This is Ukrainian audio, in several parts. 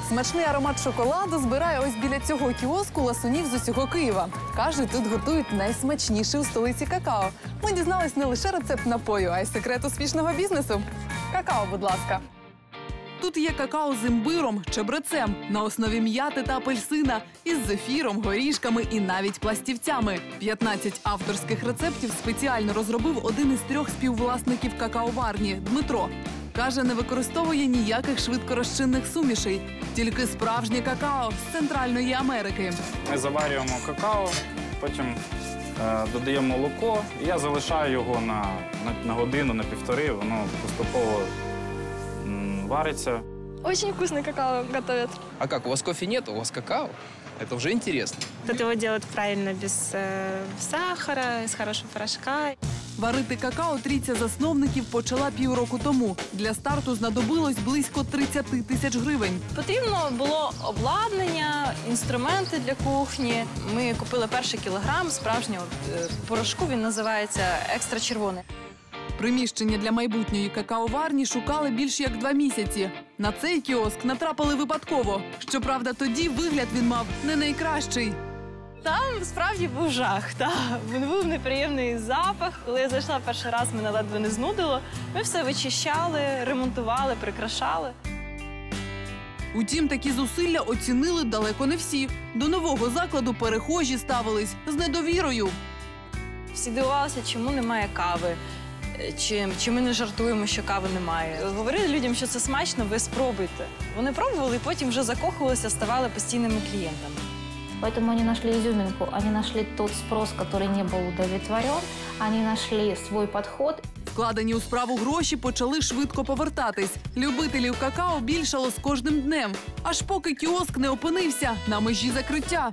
Смачний аромат шоколаду збирає ось біля цього кіоску ласунів з усього Києва. Кажуть, тут готують найсмачніше у столиці какао. Ми дізнались не лише рецепт напою, а й секрет успішного бізнесу. Какао, будь ласка. Тут є какао з імбиром, чебрецем, на основі м'яти та апельсина, із зефіром, горішками і навіть пластівцями. 15 авторських рецептів спеціально розробив один із 3 співвласників какаоварні – Дмитро. Каже, не використовує ніяких швидкорозчинних сумішей, тільки справжнє какао з Центральної Америки. Ми заварюємо какао, потім додаємо молоко, і я залишаю його на годину, на півтори, воно поступово варится. Очень вкусный какао готовят. А как, у вас кофе нет, у вас какао? Это уже интересно. Тут его делают правильно, без сахара, из хорошего порошка. Варити какао трійця засновників почала півроку тому. Для старту знадобилось близько 30 тисяч гривень. Потрібно було обладнання, інструменти для кухні. Ми купили перший кілограм справжнього порошку, він називається екстра червоний. Приміщення для майбутньої какаоварні шукали більш як 2 місяці. На цей кіоск натрапили випадково. Щоправда, тоді вигляд він мав не найкращий. Там справді був жах. Був неприємний запах. Коли я зайшла перший раз, мене ледве не знудило. Ми все вичищали, ремонтували, прикрашали. Утім, такі зусилля оцінили далеко не всі. До нового закладу перехожі ставились з недовірою. Всі дивувалися, чому немає кави. Чи ми не жартуємо, що кави немає. Говорили людям, що це смачно, ви спробуйте. Вони пробували і потім вже закохувалися, ставали постійними клієнтами. Поэтому они нашли изюминку, они нашли тот спрос, который не был удовлетворен, они нашли свой подход. Вкладені у справу гроші почали швидко повертатись. Любителів какао більшало з кожним днем. Аж поки кіоск не опинився на межі закриття.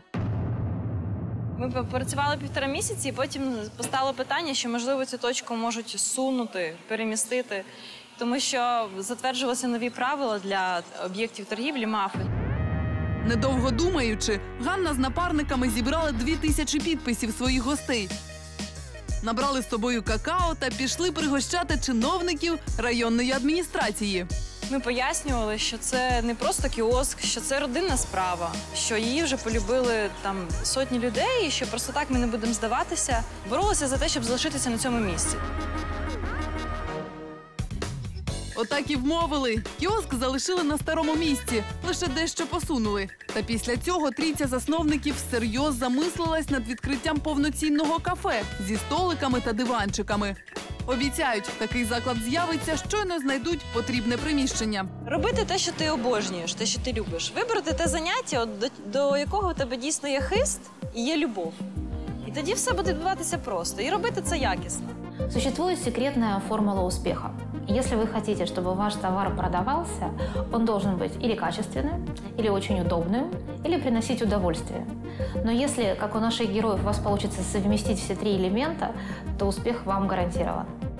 Ми попрацювали 1,5 місяці, і потім постало питання, що, можливо, цю точку можуть сунути, перемістити, тому що затверджувалися нові правила для об'єктів торгівлі МАФи. Недовго думаючи, Ганна з напарниками зібрали 2000 підписів своїх гостей. Набрали з собою какао та пішли пригощати чиновників районної адміністрації. Ми пояснювали, що це не просто кіоск, що це родинна справа, що її вже полюбили там сотні людей, і що просто так ми не будемо здаватися. Боролися за те, щоб залишитися на цьому місці. Отак і вмовили. Кіоск залишили на старому місці, лише дещо посунули. Та після цього трійця засновників всерйоз замислилась над відкриттям повноцінного кафе зі столиками та диванчиками. Обіцяють, такий заклад з'явиться, щойно знайдуть потрібне приміщення. Робити те, що ти обожнюєш, те, що ти любиш. Вибрати те заняття, до якого у тебе дійсно є хист і є любов. І тоді все буде відбуватися просто. І робити це якісно. Существует секретная формула успеха. Если вы хотите, чтобы ваш товар продавался, он должен быть или качественным, или очень удобным, или приносить удовольствие. Но если, как у наших героев, у вас получится совместить все 3 элемента, то успех вам гарантирован.